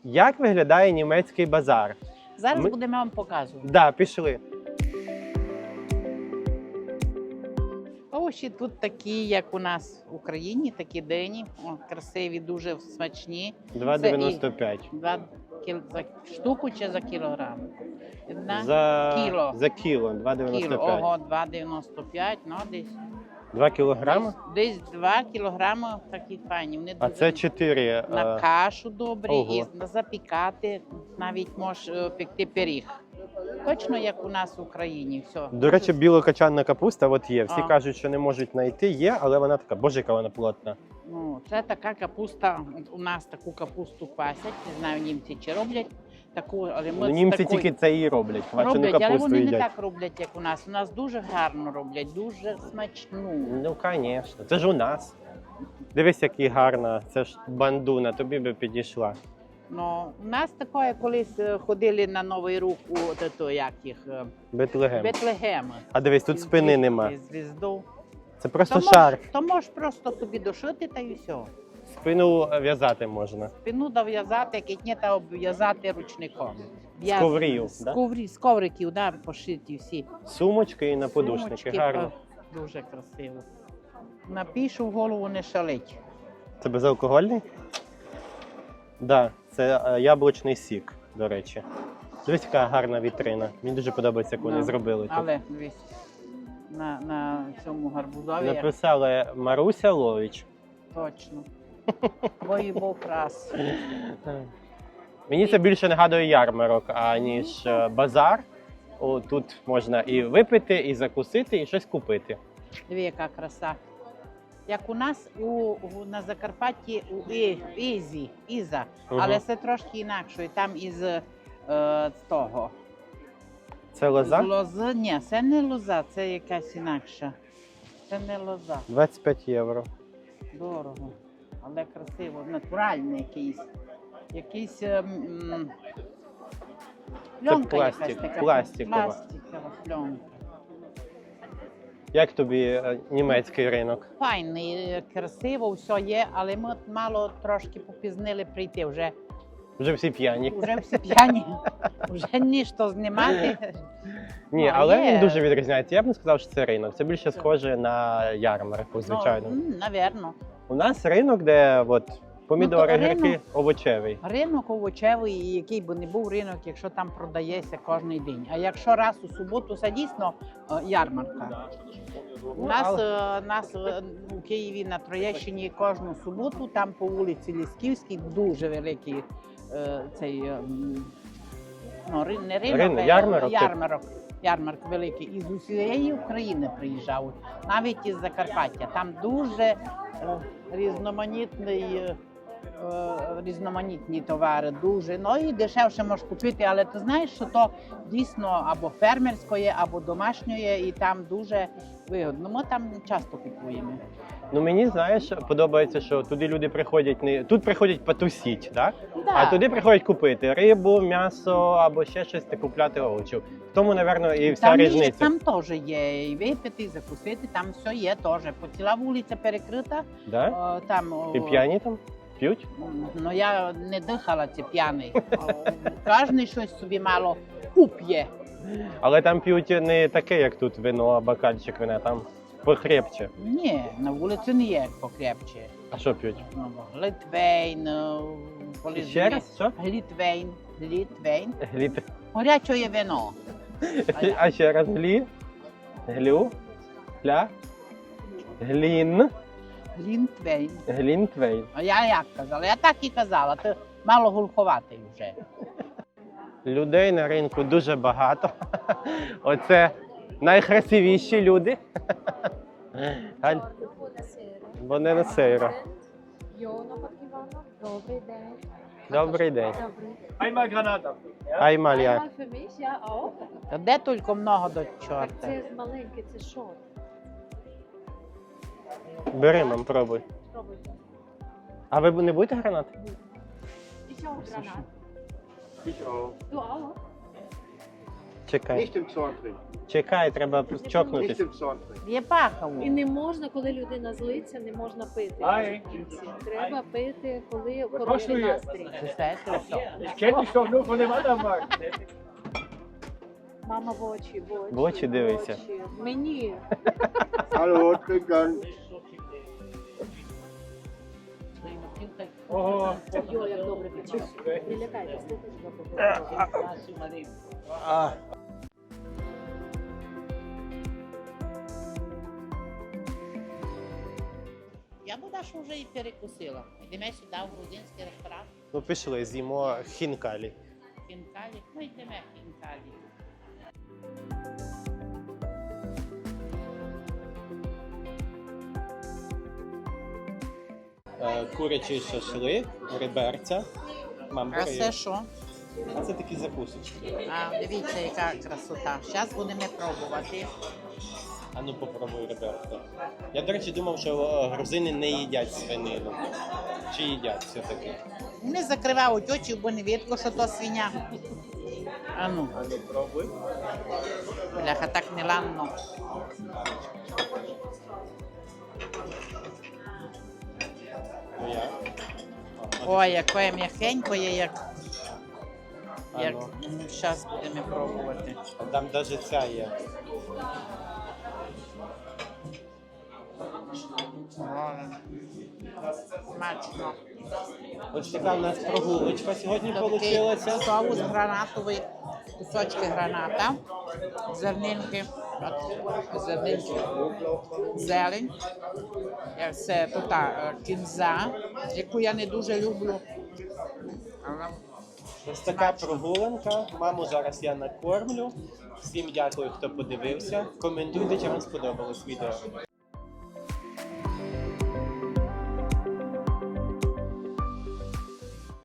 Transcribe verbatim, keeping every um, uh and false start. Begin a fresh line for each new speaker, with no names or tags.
Як виглядає німецький базар?
Зараз
Ми-
будемо вам показувати.
Да, пішли.
Овочі тут такі, як у нас в Україні, такі дині, о, красиві, дуже смачні.
два дев'яносто п'ять.
Два кіл... за штуку чи за кілограм? Одна?
За
Кіло.
За кіло, два дев'яносто
Кіло.
п'ять.
Ого, два дев'яносто п'ять, ну десь.
два кілограми?
Десь, десь два кілограми такі файні. Вони
А
дуже
це чотири.
на кашу добрі
ого.
і на запікати, навіть можеш е, пекти пиріг. Точно як у нас в Україні. Все.
До речі, білокачанна капуста от є. Всі
А.
кажуть, що не можуть знайти. Є, але вона така, боже, яка вона плотна.
Ну, це така капуста. У нас таку капусту квасять. Не знаю, німці чи роблять таку, але ми
Ну,
з
німці
такої-
тільки це і роблять. Квачену
роблять, але
капусту
вони
їдять.
не так роблять, як у нас. У нас дуже гарно роблять, дуже смачну.
Ну, звісно, це ж у нас. Дивись, який гарна, це ж бандуна, тобі би підійшла.
Ну, у нас таке, колись е, ходили на Новий рух у от ето, як їх, е,
Бетлегем.
Бетлегем.
А дивись, тут спини нема.
Звізду.
Це просто
То
шарф.
можеш, то можеш просто собі дошити та й все.
Спину в'язати можна.
Спину дов'язати, кітні та обв'язати ручником.
З коврів,
з,
да?
коврі, з ковриків, да, пошиті всі.
Сумочки і на подушники.
Сумочки,
Гарно.
о, дуже красиво. Напишу в голову не шалить.
Це безалкогольний? Так, да, це е, яблучний сік, до речі. Дивись, яка гарна вітрина. Мені дуже подобається, як вони
Да.
зробили тут.
Але дивись, на, на цьому гарбузові
Написали Маруся Лович.
точно. Бой був раз.
Мені це більше нагадує ярмарок, аніж е, базар. О, тут можна і випити, і закусити, і щось купити.
Диви, яка краса. Як у нас у, у, на Закарпатті у І- Ізі, Іза,
Мгм.
але це трошки інакше. І там із е, з того.
Це лоза?
З лози. Ні, це не лоза, це якась інакша. Це не лоза.
двадцять п'ять євро.
Дорого, але красиво, натуральний якийсь. Якийсь ем, м, пленка
пластик,
якась така.
пластикова.
Пластикова пленка.
Як тобі е, німецький ринок?
Файний, е, красиво, все є, але ми мало трошки попізнили прийти. Вже,
Вже всі п'яні.
вже всі п'яні, вже ніщо знімати.
Ні,
Ну,
але
є.
він дуже відрізняється. Я б не сказав, що це ринок. Це більше схоже на ярмарку, звичайно.
Ну, м, навірно.
У нас ринок, де от, помідори,
Ну, то
гірки,
ринок-
овочевий.
Ринок овочевий, і який би не був ринок, якщо там продається кожен день. А якщо раз у суботу, це дійсно е, ярмарка. У нас,
але-
е, нас е, у Києві на Троєщині кожну суботу, там по вулиці Лісківській, дуже великий е, цей е, м, ну, ри- не ринок,
Рин-
а
ярмарок, типу.
ярмарок. Ярмарк великий. І з усієї України приїжджають, навіть із Закарпаття. Там дуже е, різноманітний. е, е, Різноманітні товари дуже. Ну і дешевше можеш купити, але ти знаєш, що то дійсно або фермерської, або домашньої, і там дуже вигодно. Ми там часто купуємо.
Ну мені, знаєш, подобається, що туди люди приходять не тут приходять потусіть, так?
Да.
А туди приходять купити рибу, м'ясо або ще щось та купляти овочів. В тому, напевно, і вся
там, є,
різниця.
там теж є і випити, і закусити, там все є теж. По ціла вулиця перекрита.
Да?
О, там, о,
І п'яні там п'ють?
Ну я не дихала, це п'яний. Кожен щось собі мало уп'є.
Але там п'ють не таке, як тут вино, а бокальчик вина, там похрепче.
Ні, на вулиці не є покрепче.
А що п'ють?
Ну, Литвейн, е, коли
Ще раз, що?
Глітвейн, Глітвейн,
Гліт.
горяче вино. А я-
А ще раз глі, глю, гля, глін,
Глінтвейн.
глінтвейн.
А я як казала? Я так і казала, ти мало гулховатий вже.
Людей на ринку дуже багато. Оце найкрасивіші люди. Галь, Вони на сейро.
Йона Паківана. Добрий день.
Добрий день.
Добрий.
Einmal Granata.
Аймаль я.
Einmal für mich, ja auch.
Та де тільки много до
Так
чорта.
це маленький, це що?
Бери, мам, пробуй.
Спробуйте.
А ви не будете гранат?
Ich auch Granat.
Ich auch.
Du auch?
Чекай.
Nicht im Zorn trinken.
Чекай, треба
Nicht
чокнутись.
im Zorn trinken.
Є пахаву.
І не можна, коли людина злиться, не можна пити.
Ай.
в кінці. Треба пити, коли
Was
хороший
machst du
настрій.
Це все, це все.
Ich kenne dich doch nur von dem anderen Markt.
Мама в очі, в очі.
В очі дивиться.
очі. Мені.
Hallo, trinken.
Ого.
Йо, як добре пече. Не лякайтесь, ти теж добре.
А,
Я б що вже і перекусила. Йдемо сюди, в грузинський ресторан.
ну пішли, з'їмо хінкалі.
Хінкалі. Ну йдемо хінкалі.
Е, Курячий шашлик, реберця. Мам,
А
бери.
це що?
А це такі закусочки.
А, дивіться, яка красота. Зараз будемо пробувати.
А ну попробуй реберця. Я, до речі, думав, що е, грузини не їдять свинину. Чи їдять все-таки?
Не закривають очі, бо не видно, що то свиня. А ну,
А ну пробуй.
бляха, так не ладно.
Ну як?
Ой, яке м'якеньке, як...
А
як...
ну.
Ну, зараз будемо пробувати.
Там навіть ця є.
Смачно.
Ось така у нас прогулочка сьогодні
Такий
вийшла.
соус гранатовий, кусочки граната, зернинки, от, зернинки, зелень, Е, це тута е, кінза, яку я не дуже люблю. Але
Ось така прогулянка. Маму зараз я накормлю. Всім дякую, хто подивився. Коментуйте, чи вам сподобалось відео.